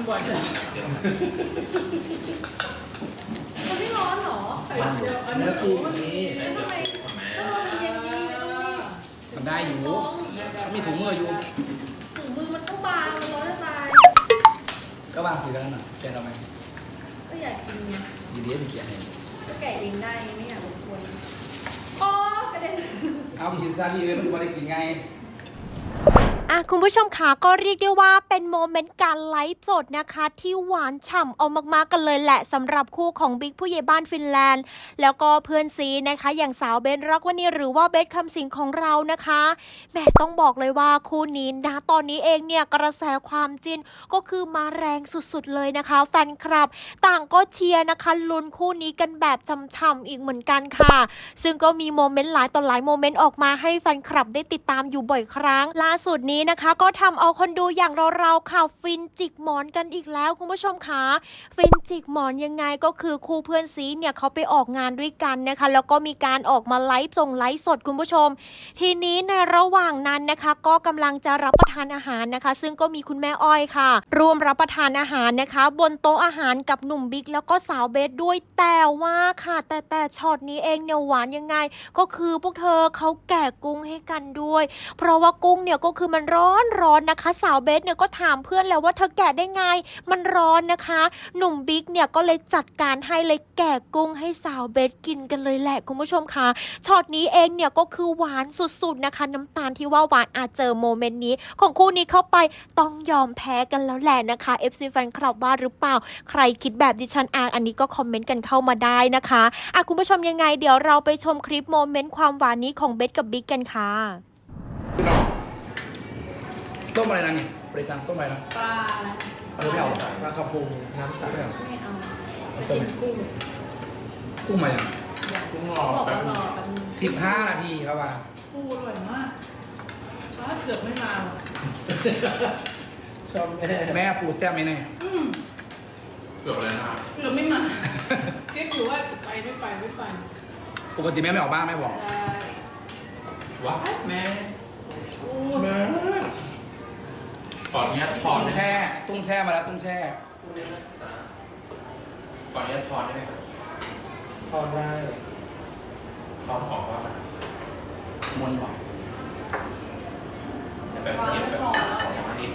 มันบ่อยเลยมันไม่ร้อนหรอเดี๋ยวอันนี้ปูนี่ทำไมมันเย็นดีไม่ต้องรีบทำได้อยู่มีถุงมืออยู่ถุงมือมันต้องบางมันร้อนจะตายก็วางสีแล้วน่ะแกเราไหมก็อยากกินไงดีๆจะเขียนให้ก็แกะเองได้ไม่อยากรบกวนอ๋อกระเด็นเอาไปกินซาพี่เลยมันจะมาได้กินไงคุณผู้ชมคะก็เรียกได้ว่าเป็นโมเมนต์การไลฟ์สดนะคะที่หวานฉ่ำเอามากๆกันเลยแหละสำหรับคู่ของบิ๊กผู้ใหญ่บ้านฟินแลนด์แล้วก็เพื่อนซีนะคะอย่างสาวเบนรักวณีหรือว่าเบสคำสิงของเรานะคะแม่ต้องบอกเลยว่าคู่นี้นะตอนนี้เองเนี่ยกระแสความจิ้นก็คือมาแรงสุดๆเลยนะคะแฟนคลับต่างก็เชียร์นะคะลุ้นคู่นี้กันแบบช่ำๆอีกเหมือนกันค่ะซึ่งก็มีโมเมนต์หลายต่อหลายโมเมนต์ออกมาให้แฟนคลับได้ติดตามอยู่บ่อยครั้งล่าสุดนี้นะคะก็ทำเอาคนดูอย่างเราๆค่ะฟินจิกหมอนกันอีกแล้วคุณผู้ชมคะฟินจิกหมอนยังไงก็คือคู่เพื่อนซีเนี่ยเขาไปออกงานด้วยกันนะคะแล้วก็มีการออกมาไลฟ์สดคุณผู้ชมทีนี้ในระหว่างนั้นนะคะก็กำลังจะรับประทานอาหารนะคะซึ่งก็มีคุณแม่อ้อยค่ะร่วมรับประทานอาหารนะคะบนโต๊ะอาหารกับหนุ่มบิ๊กแล้วก็สาวเบสด้วยแต่ว่าค่ะแต่ช็อตนี้เองเนี่ยหวานยังไงก็คือพวกเธอเขาแกะกุ้งให้กันด้วยเพราะว่ากุ้งเนี่ยก็คือมันร้อนนะคะสาวเบสเนี่ยก็ถามเพื่อนแล้วว่าเธอแกะได้ไงมันร้อนนะคะหนุ่มบิ๊กเนี่ยก็เลยจัดการให้เลยแกะกุ้งให้สาวเบสกินกันเลยแหละคุณผู้ชมคะช็อตนี้เองเนี่ยก็คือหวานสุดๆนะคะน้ำตาลที่ว่าหวานอาจเจอโมเมนต์นี้ของคู่นี้เข้าไปต้องยอมแพ้กันแล้วแหละนะคะ FC แฟนคลับว่าหรือเปล่าใครคิดแบบดิฉันอันนี้ก็คอมเมนต์กันเข้ามาได้นะคะคุณผู้ชมยังไงเดี๋ยวเราไปชมคลิปโมเมนต์ความหวานนี้ของเบสกับบิ๊กกันค่ะต้มอะไรนะนี่บริษัทต้มอะไรนะปลาอะไรไม่เอาปลากระพงน้ำใสไม่เอาไม่เอาจะกินกุ้งกุ้งมาอย่างกุ้งรเขาอบอกแป๊บว่ารนึอง แป๊บนึง 15 นาทีครับว่ากุ้งอร่อยมากถ้าเกือบไม่มาว่ะชอบแม่แม่ปูแซ่บไหมเนี่ยเกือบเลยนะครับเกือบไม่มาเก็บอยู่ว่าไปไม่ไปไม่ไปปกติแม่ไม่ออกบ้านแม่บอกได้ว้าแม่โอ้แม่ขออนุญาตถอตุ้นงแช่ตุ้งแช่มาแล้วตุ้งแช่ขออนุญาตถอนได้ไหมครับพอได้ถอนของว่ามนบอกแบบเย็นแบบของอาทิตย์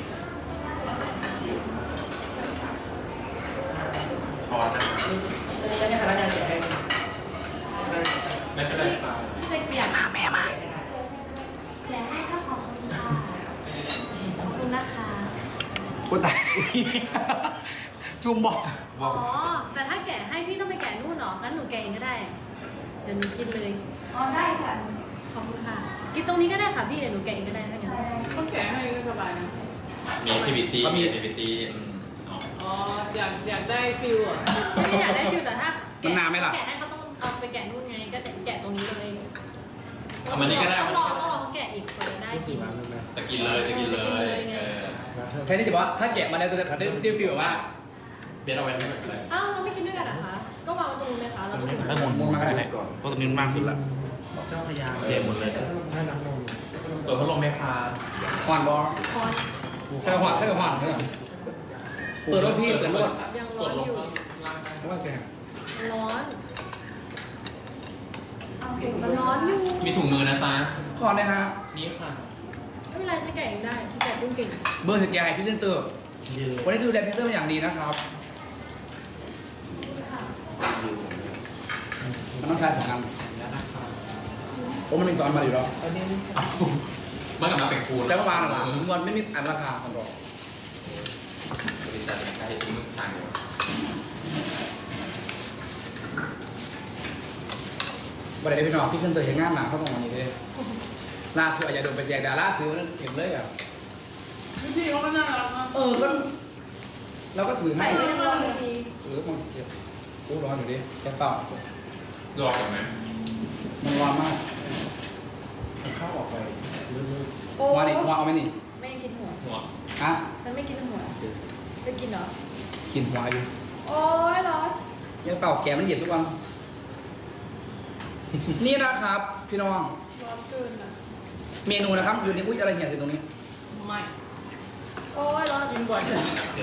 ถอนนะอันนี้ก็ได้พนักงานเสียให้ไม่เป็นไรครับเด็กเปียกแม่มาแกะให้ก็ขอบคุณค่ะขอบคุณนะคะกูตาย จุ่มบอกอ๋อแต่ถ้าแกะให้พี่ต้องไปแกะนู่นเหรองั้นหนูแกะเองก็ได้เดี๋ยวหนูกินเลยอ๋อได้ค่ะขอบคุณค่ะกินตรงนี้ก็ได้ค่ะพี่เดี๋ยวหนูแกะเองก็ได้ถ้าอย่างนั้นต้องแกะให้ก็สบายนะมีพีบีตีมีพีบีตีอ๋ออ๋อ อยากได้ฟิลอ่ะไม่ได้อยากได้ฟิลแต่ถ้ามันนานไหมล่ะแกะให้เขาต้องเอาไปแกะนู่นไงก็แกะตรงนี้เลยเอามันนี่ก็ได้ต้องรอเขาแกะอีกกว่าจะได้กินจะกินเลยจะกินเลยแค่นี้จะบอกว่าถ้าแกะมาแล้วจะได้ฟีลว่าเบียร์เอาไว้ไม่เป็นไรอ้าวเราไม่กินด้วยกันเหรอคะก็วางตรงนู้นเลยค่ะเราต้องถ้าหมุนมาก็ได้ก่อนเพราะตรงนี้มันมากสุดละเจ้าพญาเบียร์หมดเลยถ้าน้ำนมเปิดพัดลมไหมคะหวานบอคอนใช่หวานเนี่ยเปิดรถพี่เปิดรถยังกร้อดนลอง ยู่ล่างได้เพราะว่าแกร้อนมันร้อนอยู่มีถุงมือนะจ๊ะขอนะฮะนี่ค่ะไม่เป็นไรใช้แกะเองได้ใช้แกะกุ้งเก่งเบอร์สแกนพี่เซนเตอร์ยืนวันนี้จะดูแลพี่เซนเตอร์เป็นอย่างดีนะครับค่ะมันต้องใช้2 อันผมมันมี2 อันมาอยู่แล้วอันนี้มันกลับมาเป็นคูณใช้ประมาณหลังเงินไม่มีอันราคาคอนโดบริษัทใช้ทิ้งทางเดียววันไหนพี่น้องพี่เซนเตอร์เห็นงานหนักเขาตรงนี้เลยล่าสุดอาจจะโดนไปแจกดาราคือเห็นเลยอ่ะพี่เขาก็น่ารักนะก็เราก็ถือให้ใส่ก็ยังร้อนอยู่ดีมันเก็บกูร้อนอยู่ดิแค่เปล่ารอก่อนไหมมันร้อนมากเข้าออกไปเรื่อยโอ้หัวนี่หัวเอาไหมนี่ไม่กินหัวหัวฮะฉันไม่กินหัวจะกินเหรอกินหัวอยู่โอ้ยร้อนแค่เปล่าแกมันเหยียบทุกวัน นี่นะครับพี่น้องร้อนเกินอ่ะเมนูนะครับอยู่ในอุ้ยอะไรเหี่ยอยู่ตรงนี้ไม่โอ้ยร้อนกินบ่อยเลยเดี๋ยว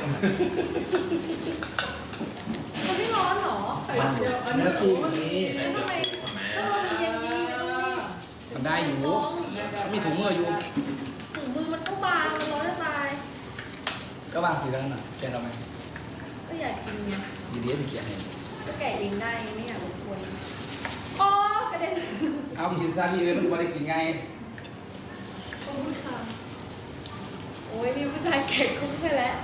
มันไม่ร้อนเหรอไข่เจียวอันนี้เนื้อปูมันนี้แล้วทำไมทำไมถ้าเราเย็นดีไม่ต้องรีบมันได้อยู่มีถุงมืออยู่ถุงมือมันก็บางมันร้อนจะตายก็วางสีแล้วน่ะแกเราไหมก็อยากกินไงดีดีจะเขียนให้ก็แกะเองได้ไม่อยากรบกวนโอ้กระเด็นเอากินซะพี่เอ้ยมันควรได้กินไงขอบคุณค่ะโอ้ยมีผู้ชายแกะกุ้งไปแล้ว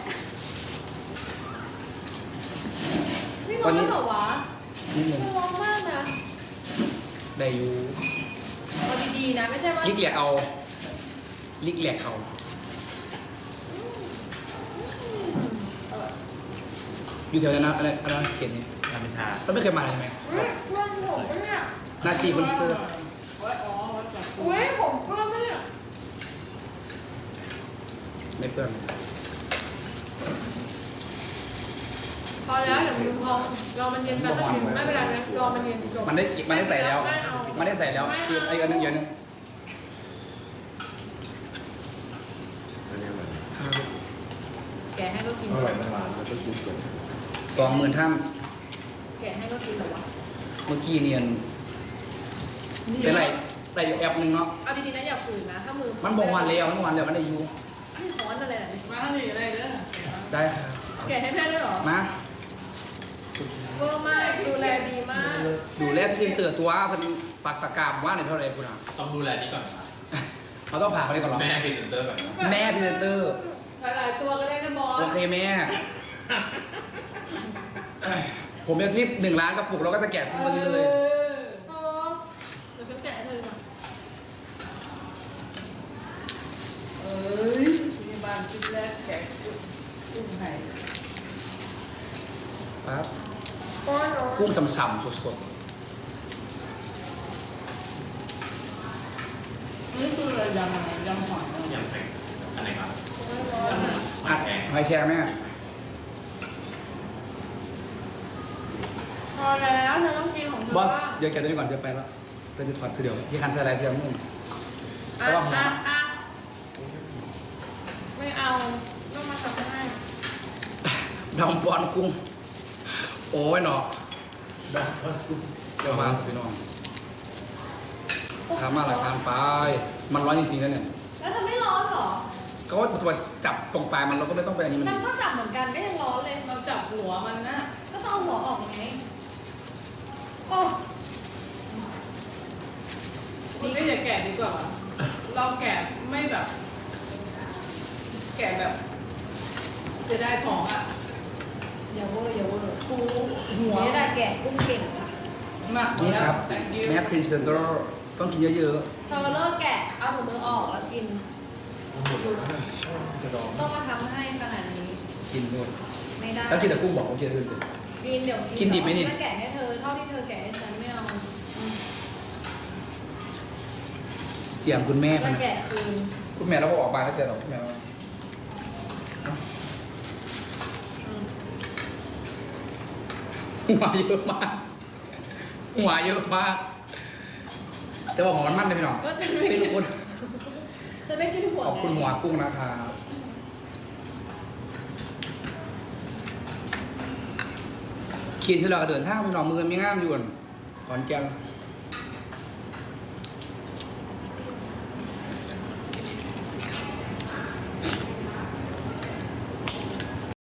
ไม่ร้อนเหรอวะนิดหนึ่งไม่ร้อนมากนะได้อยู่เอาดีๆนะไม่ใช่ว่าลิกแหลกเอาลิกแหลกเอาอยู่แถวนั้นนะอะไรเขียนนี่ทำเป็นชาก็ไม่เคยมาเลยใช่ไหมเฮ้ยเพื่อนผมปะเนี่ยหน้าจีบนเสื้อวัดอ๋อวัดจากเฮ้ยผมเพื่อนปะเนี่ยไม่เปื้อนพอแล้วเดี๋ยวมึงพอรอมันเย็นแป๊บนึงไม่เป็นไรนะรอมันเย็นจบมันได้ใส่แล้วไม่เอามันได้ใส่แล้วคือไอ้อันนึงเยอะนึงแกะให้ก็กินอร่อยมากๆแล้วก็ซุปกัน 20,000ท่ามแกะให้ก็กินเหรอวะเมื่อกี้เนียนเป็นไรใส่อยู่แอปหนึ่งเนาะเอาดีๆนะอย่าฝืนนะถ้ามือมันบอกวันแล้วมันได้อยู่ไม่ร้อนอะไรแบบนี้มาหนีอะไรเด้อได้ครับแกะให้แม่ด้วยเหรอมาเวอร์มากดูแลดีมากดูแลพี่เตือตัวเพันปักตะกร้าว่าในเท่าไหร่คุณอ่ะต้องดูแลนี้ก่อนเขาต้องผ่าเขาได้ก่อนเหรอแม่พรีเซนเตอร์ก่อนนะแม่พรีเซนเตอร์หลายๆตัวก็ได้นะบอสโอเคแม่ ผมจะรีบ1 ล้านกระปุกแล้วก็จะแกะทุกวันนี้เลยเออเดี๋ยวฉันแกะให้เธอก่อนเอ้ยมีบ้านชิ้นแรกแกะกุ้งไข่ปั๊บป้อนเหรอกุ้งฉ่ำๆสดนี่คืออะไรยำอะไรยำหอยยำแข็งอันไหนครับๆอัดแข็งหอยแครงแม่พอแล้วเธอต้องกินของเธอบอสบ้างเดี๋ยวแกะตัวนี้ก่อนจะไปแล้วจะถอดคือเดี๋ยวที่คันใส่อะไรเทียมมุ่งอ่ะระวังหัวอ่ะไม่เอาต้องมาสับให้ดองบอลกุ้ง โอ้ยเนาะได้ก็ซุปเดี๋ยวมาสิพี่น้องทำมาหลายการไปมันร้อนจริงๆนะเนี่ยแล้วเธอไม่ร้อนเหรอก็ว่าตัวจับตรงปลายมันเราก็ไม่ต้องไปอันนี้มันฉันก็จับเหมือนกันก็ยังร้อนเลยเราจับหัวมันนะก็ต้องเอาหัวออกไงโอ้คุณก็อย่าแกะดีกว่า เราแกะไม่แบบ แกะแบบเสียดายของอ่ะอย่าเวอร์อย่าเวอร์ปูหัวนี่ได้แกะกุ้งเก่งค่ะมากนี่ครับแต่งยิ้แม่พรีเซนเตอร์ต้องกินเยอะเธอเลิกแกะเอาถุงมือออกแล้วกินกระดองต้องมาทำให้ขนาดนี้ๆกินหมดไม่ได้แล้วกินแต่กุ้งบอกโอเคขึ้นเลยกินเดี๋ยวกินดิบไหมนี่ก็แกะให้เธอเท่าที่เธอแกะให้ฉันไม่เอาอืมเสียงคุณแม่แล้พัวน แกะคืนคุณแม่เราก็ออกมาแล้วเจอเราคุณแม่ว่าอืมหัวเยอะมากหัวเยอะมากแต่ว่าหมอมันมั่นเลยพี่น้องก็ฉันไม่เป็นกินคนฉันไม่กินหัวขอบคุณหัวกุ้งนะครับขีดที่เราก็เดินทางพี่น้องมือมีงามอยู่ขอนแก่น